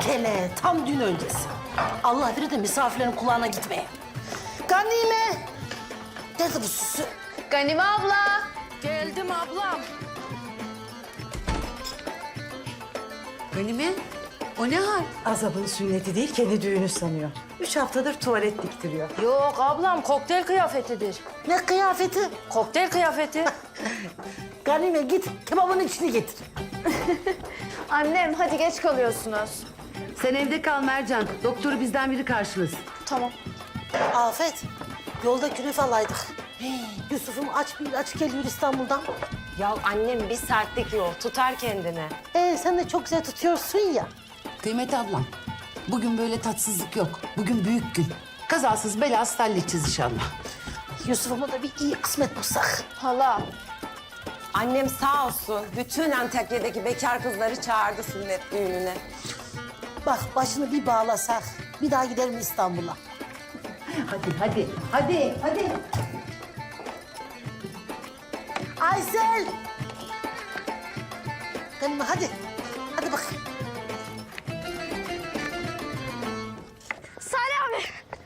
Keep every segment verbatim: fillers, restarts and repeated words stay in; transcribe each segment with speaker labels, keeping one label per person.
Speaker 1: Kele tam dün öncesi. Allah bilir de misafirlerin kulağına gitmeye. Ganime. Nerede bu süsü?
Speaker 2: Ganime abla.
Speaker 1: Geldim ablam.
Speaker 2: Ganime, o ne hal?
Speaker 3: Azap'ın sünneti değil, kendi düğünü sanıyor. Üç haftadır tuvalet diktiriyor.
Speaker 4: Yok ablam kokteyl kıyafetidir.
Speaker 1: Ne kıyafeti?
Speaker 4: Kokteyl kıyafeti.
Speaker 1: Ganime git kebabın içini getir.
Speaker 2: Annem hadi geç kalıyorsunuz.
Speaker 5: Sen evde kal Mercan. Doktoru bizden biri karşılasın.
Speaker 2: Tamam.
Speaker 1: Afet, yolda künefe alaydık. Hey, Yusuf'um aç bir aç geliyor İstanbul'dan.
Speaker 6: Ya annem bir saatlik yol tutar kendine.
Speaker 1: Ee, sen de çok güzel tutuyorsun ya.
Speaker 5: Kıymet ablam, bugün böyle tatsızlık yok. Bugün büyük gün. Kazasız belasız halledeceğiz inşallah.
Speaker 1: Yusuf'uma da bir iyi kısmet bulsak.
Speaker 2: Hala.
Speaker 6: Annem sağ olsun bütün Antakya'daki bekar kızları çağırdı sünnet düğününe.
Speaker 1: Bak başını bir bağlasak, bir daha giderim İstanbul'a.
Speaker 5: Hadi, hadi, hadi, hadi.
Speaker 1: Aysel! Ganime hadi, hadi bak.
Speaker 7: Salih abi.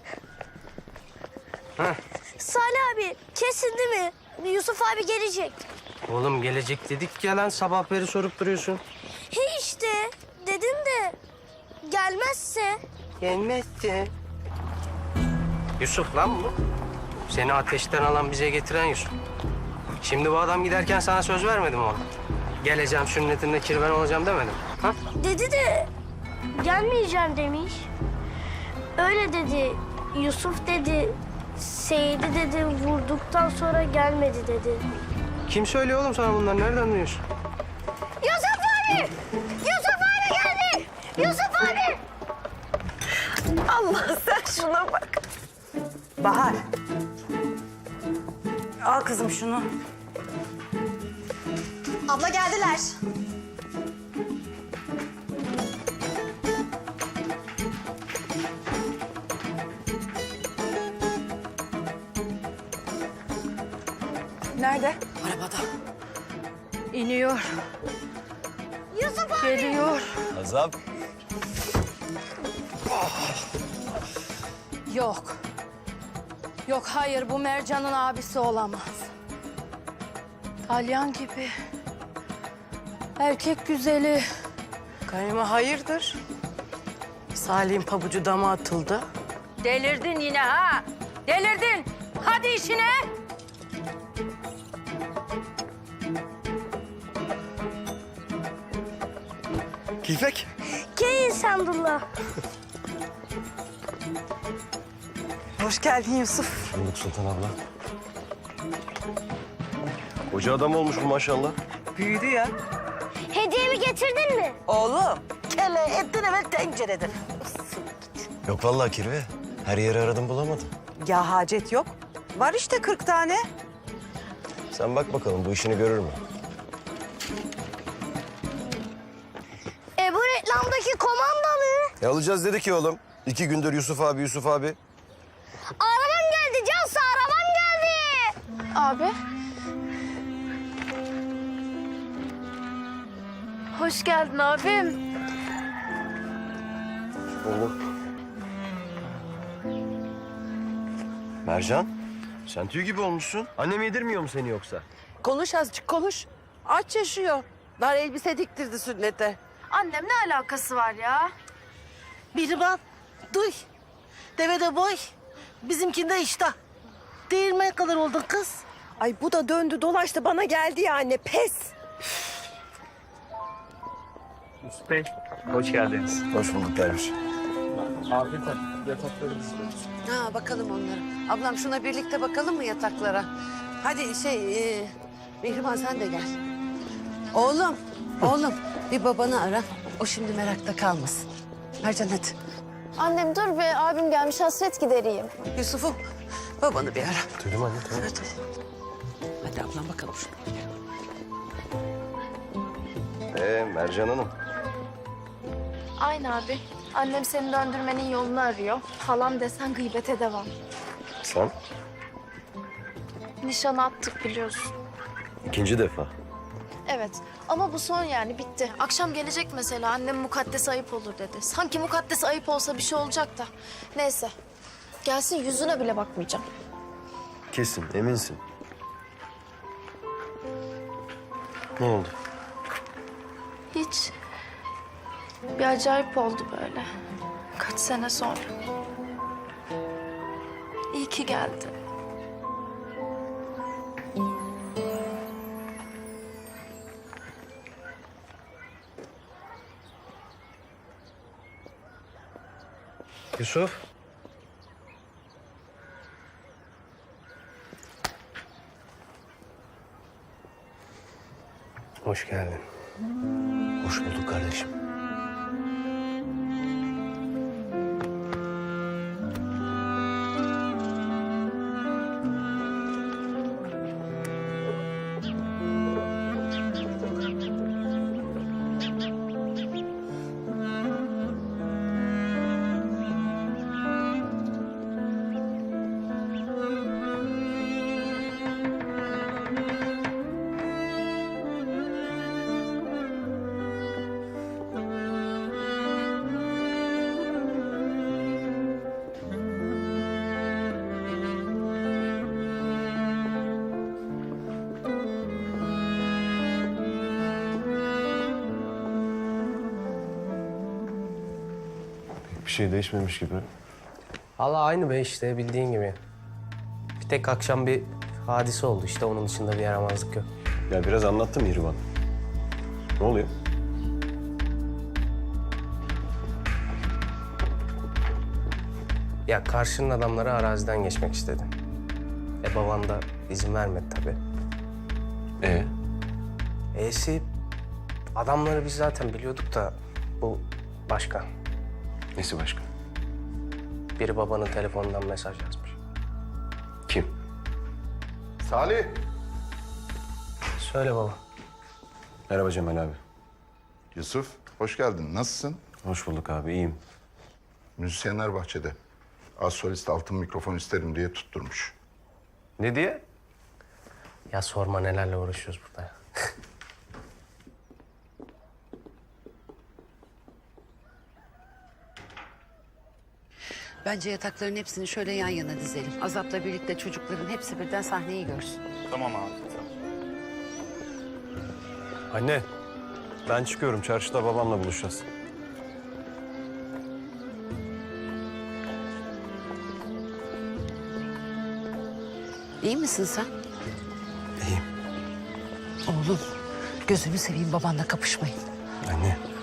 Speaker 7: Salih abi kesin değil mi? Yusuf abi gelecek.
Speaker 8: Oğlum gelecek dedik ya lan sabah beri sorup duruyorsun.
Speaker 7: He işte dedim de gelmezse.
Speaker 8: Gelmezdi. Yusuf lan bu. Seni ateşten alan bize getiren Yusuf. Şimdi bu adam giderken sana söz vermedim oğlum. Geleceğim sünnetinde kirven olacağım demedim. Ha?
Speaker 7: Dedi de gelmeyeceğim demiş. Öyle dedi. Yusuf dedi. Seyit'i dedi vurduktan sonra gelmedi dedi.
Speaker 8: Kim söylüyor oğlum sana bunları? Nereden duyuyorsun?
Speaker 7: Yusuf abi! Yusuf abi geldi! Yusuf abi!
Speaker 3: Allah sen şuna bak. Bahar. Al kızım şunu.
Speaker 2: Abla geldiler.
Speaker 4: Nerede? Arabada. İniyor.
Speaker 7: Yusuf abi!
Speaker 4: Geliyor.
Speaker 9: Azap.
Speaker 4: Yok. Yok hayır bu Mercan'ın abisi olamaz. Dalyan gibi. Erkek güzeli.
Speaker 10: Ganime hayırdır? Salih'in pabucu dama atıldı.
Speaker 4: Delirdin yine ha. Delirdin. Hadi işine.
Speaker 9: Keyfek.
Speaker 7: Keyin Sandullah.
Speaker 3: Hoş geldin Yusuf.
Speaker 9: Bulduk Sultan abla. Koca adam olmuş bu maşallah.
Speaker 3: Büyüdü ya.
Speaker 7: Hediyemi getirdin mi?
Speaker 3: Oğlum.
Speaker 1: Kele etten evvel tencereden.
Speaker 9: Yok vallahi kirve. Her yeri aradım bulamadım.
Speaker 3: Ya hacet yok. Var işte kırk tane.
Speaker 9: Sen bak bakalım bu işini görür mü?
Speaker 7: E bu reklamdaki komandalı.
Speaker 9: E alacağız dedi ki oğlum. İki gündür Yusuf abi, Yusuf abi.
Speaker 7: Arabam geldi Cansu, arabam geldi.
Speaker 2: Abi. Hoş geldin abim.
Speaker 9: Oğlum. Mercan, sen tüy gibi olmuşsun. Annem yedirmiyor mu seni yoksa?
Speaker 10: Konuş azıcık konuş. Aç yaşıyor. Dar elbise diktirdi sünnete.
Speaker 2: Annem ne alakası var ya?
Speaker 1: Biriban, duy. Devede boy, bizimkinde iştah. Değirmen kadar oldun kız.
Speaker 10: Ay bu da döndü dolaştı bana geldi ya anne pes.
Speaker 8: Yusuf Bey, hoş geldiniz.
Speaker 9: Hoş bulduk derviş.
Speaker 8: Afiyet olsun. Yataklarınızı
Speaker 5: Ha bakalım onlara. Ablam şuna birlikte bakalım mı yataklara? Hadi şey, e, Mihrimah sen de gel. Oğlum, oğlum bir babanı ara. O şimdi merakta kalmasın. Mercan hadi.
Speaker 2: Annem dur be abim gelmiş hasret gidereyim.
Speaker 5: Yusuf'um babanı bir ara.
Speaker 9: Duydum anne, tamam.
Speaker 5: Hadi. Hadi ablam bakalım şuna.
Speaker 9: Ee Mercan Hanım.
Speaker 2: Aynı abi. Annem seni döndürmenin yolunu arıyor. Halam desen gıybete devam.
Speaker 9: Sen?
Speaker 2: Nişan attık biliyorsun.
Speaker 9: İkinci defa.
Speaker 2: Evet Ama bu son yani bitti. Akşam gelecek mesela annem mukaddes ayıp olur dedi. Sanki mukaddes ayıp olsa bir şey olacak da. Neyse. Gelsin yüzüne bile bakmayacağım.
Speaker 9: Kesin, eminsin. Ne oldu?
Speaker 2: Hiç. Bir acayip oldu böyle. Kaç sene sonra. İyi ki geldi.
Speaker 8: Yusuf. Hoş geldin.
Speaker 9: Hoş bulduk kardeşim. Bir şey değişmemiş gibi.
Speaker 8: Allah aynı be işte bildiğin gibi. Bir tek akşam bir hadise oldu işte onun dışında bir yaramazlık yok.
Speaker 9: Ya biraz anlattım Mihrimah. Ne oluyor?
Speaker 8: Ya karşının adamları araziden geçmek istedi. E baban da izin vermedi tabii.
Speaker 9: Ee?
Speaker 8: E'si adamları biz zaten biliyorduk da bu başka.
Speaker 9: Nesi başka?
Speaker 8: Biri babanın telefonundan mesaj yazmış.
Speaker 9: Kim?
Speaker 11: Salih.
Speaker 8: Söyle baba.
Speaker 9: Merhaba Cemal abi.
Speaker 11: Yusuf, hoş geldin. Nasılsın?
Speaker 9: Hoş bulduk abi, iyiyim.
Speaker 11: Müzisyenler bahçede. Az solist altın mikrofon isterim diye tutturmuş.
Speaker 9: Ne diye?
Speaker 8: Ya sorma nelerle uğraşıyoruz burada ya.
Speaker 5: Bence yatakların hepsini şöyle yan yana dizelim. Azap'la birlikte çocukların hepsi birden sahneyi görsün.
Speaker 9: Anne, ben çıkıyorum. Çarşıda babamla buluşacağız.
Speaker 5: İyi misin sen?
Speaker 9: İyiyim.
Speaker 5: Oğlum, gözünü seveyim babanla kapışmayın.
Speaker 9: Anne,